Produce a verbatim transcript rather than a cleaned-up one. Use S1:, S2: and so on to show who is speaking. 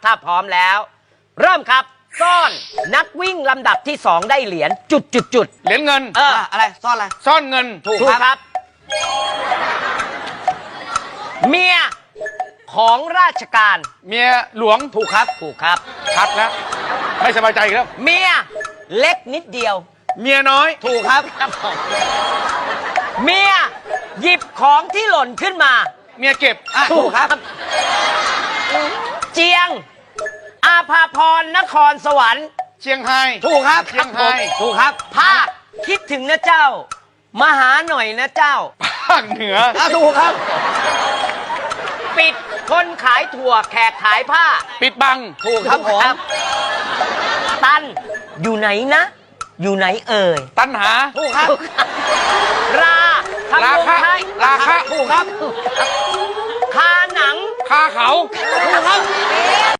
S1: ถ้าพร้อมแล้ว เริ่มครับซ่อนนักวิ่งลำดับที่สองได้เหรียญจุดจุดจุด
S2: เหรียญเงิน
S1: เออ
S3: อะไรซ่อนอะไร
S2: ซ่อนเงิน
S1: ถูกครับ เมียของราชการ
S2: เมียหลวง
S1: ถูกครับถูกครับ
S2: ชัดแล้ว ไม่สบายใจอีกแล้ว
S1: เมียเล็กนิดเดียว
S2: เมียน้อย
S1: ถูกครับครับผมเมียหยิบของที่หล่นขึ้นมา
S2: เมียเก็บ
S3: อ่ะถูกครับ
S1: เจียง อาภาพรนครสวรรค์
S2: เชียงไฮ้
S1: ถูกครับ
S2: เชียงไฮ้
S1: ถูกครับภาคคิดถึงนะเจ้า มาหาหน่อยนะเจ้า
S2: ภาคเหนือ
S1: อ่ะถูกครับ ปิดคนขายถั่วแขกขายผ้า
S2: ปิดบัง
S1: ถูกครับผมตันอยู่ไหนนะ อยู่ไหนเอ่ย
S2: ตันหา
S1: ถูกครับ ราทำ
S2: ราคะ
S1: วงไทย
S2: ราคะ
S1: ถูกครับคาหนัง
S2: คาเขา
S1: ถูกครับ